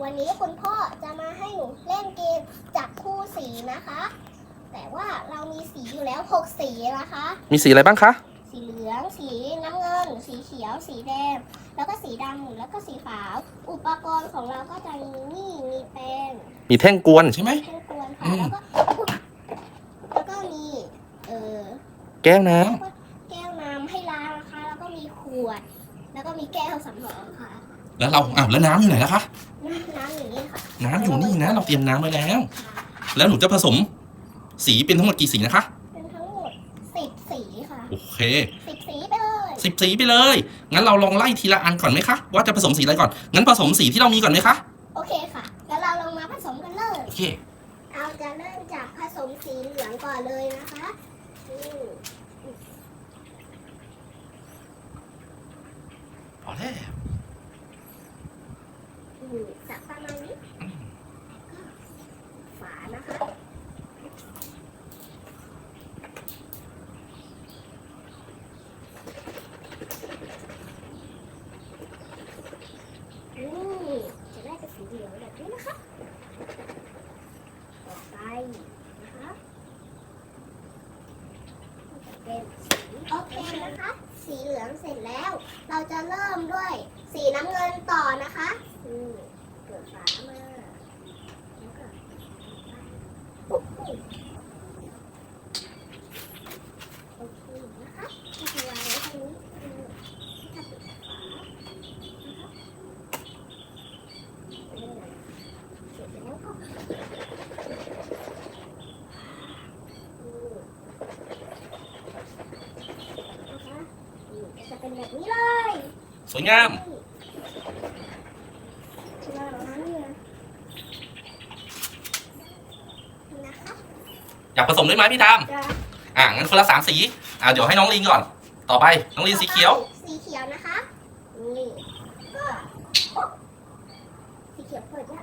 วันนี้คุณพ่อจะมาให้หนูเล่นเกมจับคู่สีนะคะ แต่ว่าเรามีสีอยู่แล้ว6สีนะคะมีสีอะไรบ้างคะสีเหลืองสีน้ำเงิน สีเขียวสีแดงแล้วก็สีดำแล้วก็สีขาวอุปกรณ์ของเราก็จะมีนี่มีแป้งมีแท่งกวนใช่ไหมแท่งกวนค่ะแล้วก็มีแก้วน้แก้วน้ำให้ล้างนะคะ แล้วก็มีขวด แล้วก็มีแก้วสำรองค่ะำแล้วแล้วน้ำอยู่ไหนล่ะคะน้ำอย่างนี้ค่ะน้ำอยู่นี่นะ เราเตรียมน้ำไว้แล้ว แล้วหนูจะผสมสีเป็นทั้งหมดกี่สีนะคะเป็นทั้งหมด10สีค่ะโอเค 10สีไปเลย 10 สีไปเลย งั้นเราลองไล่ทีละอันก่อนไหมคะ ว่าจะผสมสีอะไรก่อน งั้นผสมสีที่เรามีก่อนไหมคะโอเคค่ะ แล้วเราลงมาผสมกันเลยโอเคเราจะเริ่มจากผสมสีเหลืองก่อนเลยนะคะพอแล้วสักประมาณนี้ฝานะคะจะได้เป็นสีเหลืองแบบนี้นะคะต่อไปนะคะเป็นสีโอเคนะคะ สีเหลืองเสร็จแล้ว เราจะเริ่มด้วยสีน้ำเงินต่อนะคะเปิดฝามาแล้วก็โอเคนะคะก็จะวางไว้ตรงนี้ถ้าปิดฝานะคะเสร็จแล้วก็จะเป็นแบบนี้เลยสวยงาม อยากผสมด้วยไหมพี่ทามงั้นคนละ3 สี เดี๋ยวให้น้องลินก่อน ต่อไปน้องลินสีเขียวสีเขียวนะคะนี่ก็สีเขียวเปิดยาก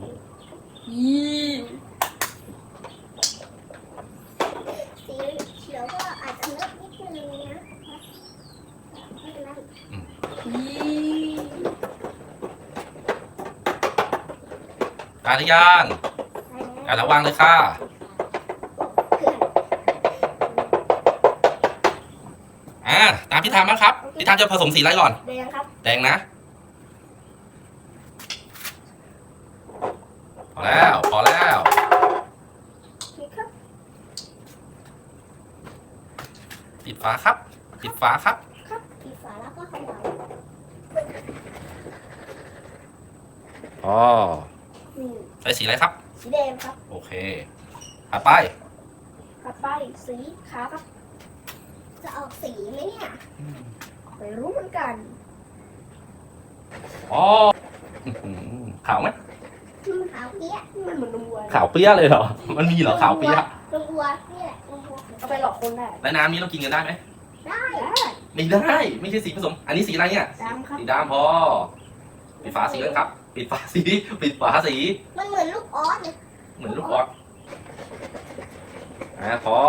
สีเขียวก็อาจจะเลอะนิดนึงนะไม่เป็นไรได้หรือยังแล้ววางเลยค่ะ ตามพี่ทามนะครับ พี่ทามจะผสมสีอะไรก่อนแดงครับแดงนะ พอแล้ว พอแล้ว ปิดฝาครับ ปิดฝาครับครับปิดฝาแล้วก็เขย่าอ๋อใส่สีอะไรครับสีแดงครับโอเคถัดไปต่อไปสีขาวครับ จะออกสีไหมเนี่ยไม่รู้เหมือนกันอ๋อขาวไหมขาวเปี้ยมันเหมือนนมวัวขาวเปรี้ยเลยเหรอ มันมีเหรอขาวเปรี้ยนมวัวนี่แหละนมวัวเอาไปหลอกคนได้แล้วน้ำนี้เรากินกันได้ไหมได้ไม่ได้ ไม่ใช่สีผสม อันนี้สีอะไรเนี่ยดำครับสีดำพอ ปิดฝาสีกันครับ ปิดฝาสี ปิดฝาสีมันเหมือนลูกออสเลยเหมือนลูกออสพอ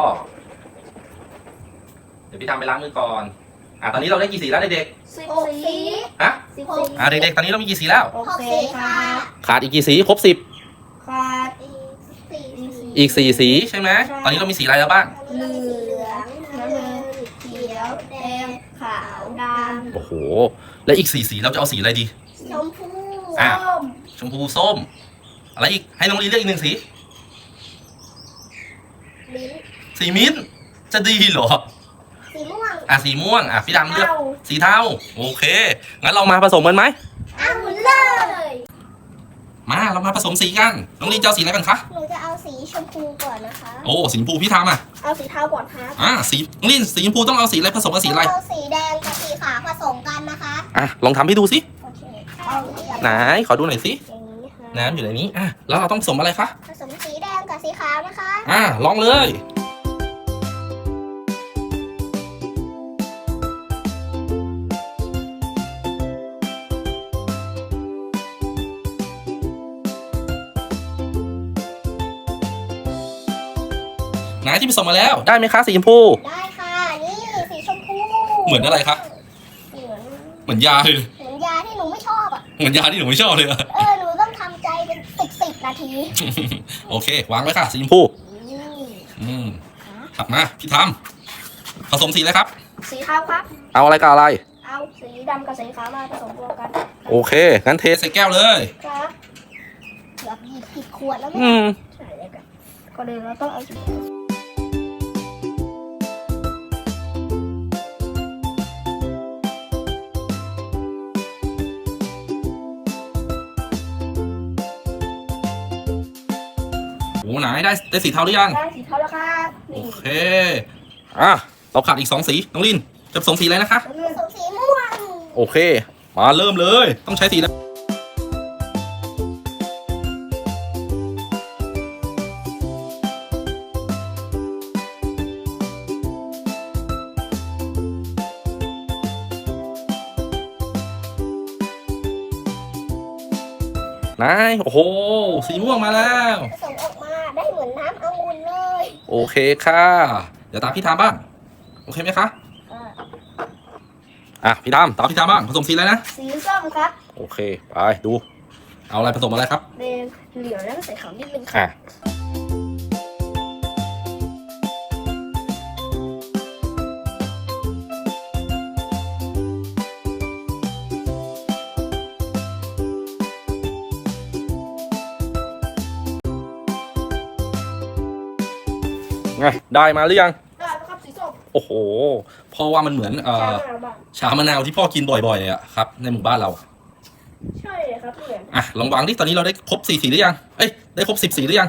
เดี๋ยวพี่ทำไปล้างมือก่อน ตอนนี้เราได้กี่สีแล้วเด็ก 6 สีๆฮะ 10 เด็กๆ ตอนนี้เรามีกี่สีแล้ว 6 สีค่ะขาดอีกกี่สี ครบขาดอีก 10 อีก4 สีใช่ไหม ตอนนี้เรามีสีอะไรแล้วบ้างเหลืองน้ำเงินเขียวแดงขาวดำโอ้โห แล้วอีก4 สีเราจะเอาสีอะไรดีชมพูชมพูส้ม อะไรอีก ให้น้องลีเลือกอีก1 สีลิ้นสีมิ้นท์จะดีเหรอสีม่วงสีม่วง พี่ดำเลือกสีเทา โอเค งั้นเรามาผสมกันไหมเอาเลยเรามาผสมสีกัน น้องลีจะเอาสีอะไรกันคะหนูจะเอาสีชมพูก่อนนะคะโอ้สีชมพูพี่ทำเอาสีเทาก่อนครับสีน้องลีสีชมพูต้องเอาสีอะไรผสมกับสีอะไรเอาสีแดงกับสีขาวผสมกันนะคะลองทำให้ดูสิโอเคไหน ขอดูหน่อยสิอย่างนี้ค่ะน้ำอยู่ในนี้ แล้วเราต้องผสมอะไรคะผสมสีแดงกับสีขาวนะคะลองเลย ไหนที่ผสมมาแล้ว ได้ไหมคะสีชมพูได้ค่ะ นี่สีชมพูเหมือนอะไรคะเหมือนเหมือนยาเลยเหมือนยาที่หนูไม่ชอบอ่ะเหมือนยาที่หนูไม่ชอบเลยอะหนูต้องทำใจนาทีโอเควางไว้ค่ะสีชมพู ถัดมาพี่ทำผสมสีเลยครับสีขาวครับเอาอะไรกับอะไรเอาสีดำกับสีขาวมาผสมรวมกันโอเคงั้นเทใส่แก้วเลยครับเกือบหยิบผิดขวดแล้วไหมใช่เลยกันก่อนอื่นเราต้องเอาสีโอ้ไหนได้สีเทาหรือยังได้สีเทาแล้วครับโอนี่เคเราขาดอีก2สีน้องลินจะผสมสีอะไรนะคะผสมสีม่วงโอเคมาเริ่มเลยต้องใช้สีแล้วนายโอ้โหสีม่วงมาแล้วผสมออกมาได้เหมือนน้ำองุ่นเลยโอเคค่ะเดี๋ยวตามพี่ทามบ้างโอเคไหมคะพี่ทามตามพี่ทามบ้างผสมสีอะไรนะสีส้มครับโอเคไปดูเอาอะไรผสมอะไรครับแดงเหลืองแล้วก็ใส่ขาวนิดนึงครับไงได้มาหรือยังได้แล้วครับสีส้มโอ้โหเพราะว่ามันเหมือนชามะนาวที่พ่อกินบ่อยๆเลยอะครับในหมู่บ้านเราใช่เลยครับเหมือนลองวางดิตอนนี้เราได้ครบ4 สีหรือยังได้ครบ10 สีหรือยัง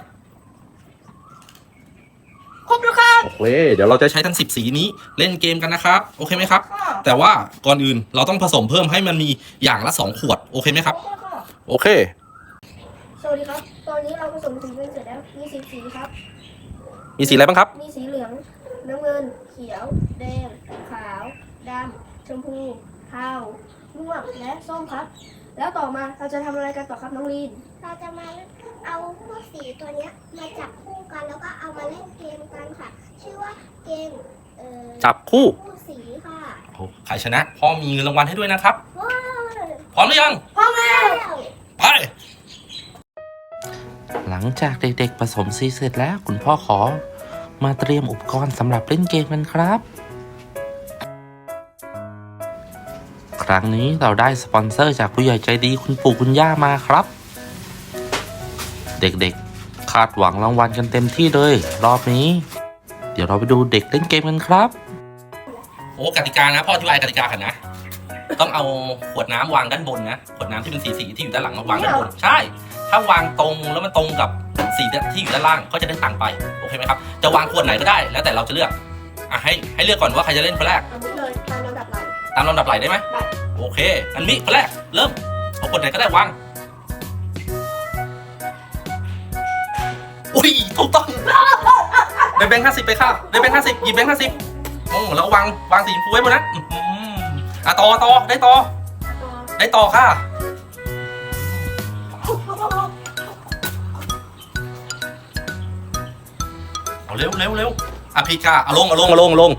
ครบแล้วครับโอเคเดี๋ยวเราจะใช้ทั้ง10 สีนี้เล่นเกมกันนะครับโอเคไหมครับแต่ว่าก่อนอื่นเราต้องผสมเพิ่มให้มันมีอย่างละ2 ขวดโอเคไหมครับโอเคสวัสดีครับ ตอนนี้เราผสมสีกันเสร็จแล้วมีสีครับมีสีอะไรบ้างครับมีสีเหลือง น้ำเงิน เขียว แดง ขาว ดำ ชมพู เทา ม่วง และส้มครับ แล้วต่อมาเราจะทำอะไรกันต่อครับน้องลีน เราจะมาเอาพวกสีตัวเนี้ยมาจับคู่กันแล้วก็เอามาเล่นเกมกันค่ะ ชื่อว่าเกมจับคู่คู่สีค่ะใครชนะพ่อมีเงินรางวัลให้ด้วยนะครับว้าวพร้อมหรือยังพร้อมแล้วไปหลังจากเด็กๆผสมสีเสร็จแล้วคุณพ่อขอมาเตรียมอุปกรณ์สำหรับเล่นเกมกันครับ ครั้งนี้เราได้สปอนเซอร์จากผู้ใหญ่ใจดีคุณปู่คุณย่ามาครับ เด็กๆคาดหวังรางวัลกันเต็มที่เลยรอบนี้ เดี๋ยวเราไปดูเด็กเล่นเกมกันครับโอ้กติกานะพ่ออธิบายกติกากันนะต้องเอาขวดน้ำวางด้านบนนะขวดน้ำที่เป็นสีที่อยู่ด้านหลังมาวางด้านบนใช่ถ้าวางตรงแล้วมันตรงกับสีที่อยู่ด้านล่างก็จะได้ตังค์ไปโอเคไหมครับจะวางขวดไหนก็ได้แล้วแต่เราจะเลือกให้เลือกก่อนว่าใครจะเล่นคนแรกเอาเลยตามลำดับไหลตามลำดับไหลได้ไหมได้โอเคอันนี้คนแรกเริ่มเอาขวดไหนก็ได้วางอุ้ยถูกต้องได้แบงค์50ไปค่ะได้แบงค์50หยิบแบงค์50โอ้แล้ววางสีชมพูไว้บนนั้นต่อได้ต่อค่ะเอาเร็วพี่กาเอาลง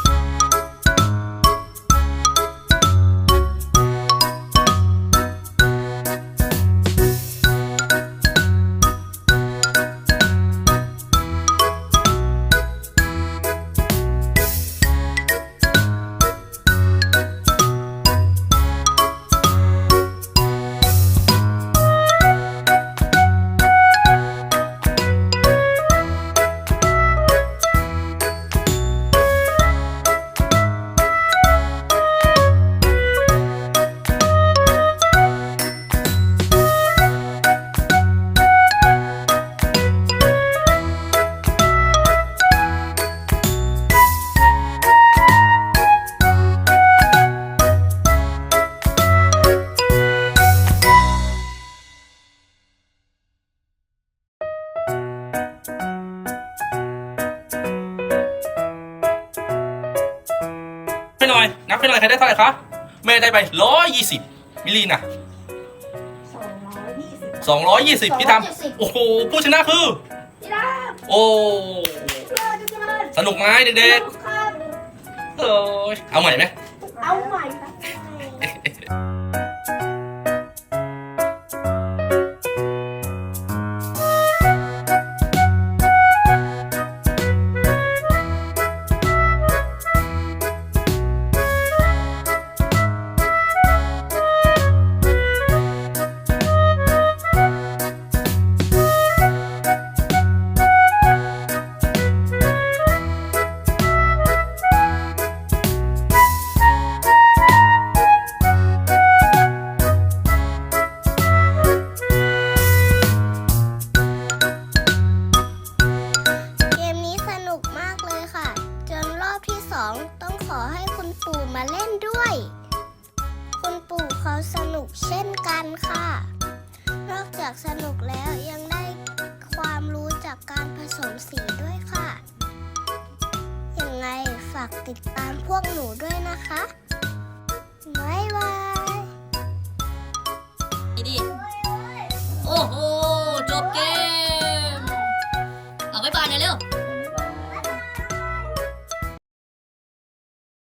นับให้หน่อยใครได้เท่าไหร่คะแม่ได้ไป120มิลลินะ220พี่ทำโอ้โหผู้ชนะคือพี่ดาโอ้บสนุกไหมเด็กครับๆเอาใหม่ไหมเอาใหม่ครับจากสนุกแล้วยังได้ความรู้จากการผสมสีด้วยค่ะ ยังไงฝากติดตามพวกหนูด้วยนะคะ บ๊ายบายดี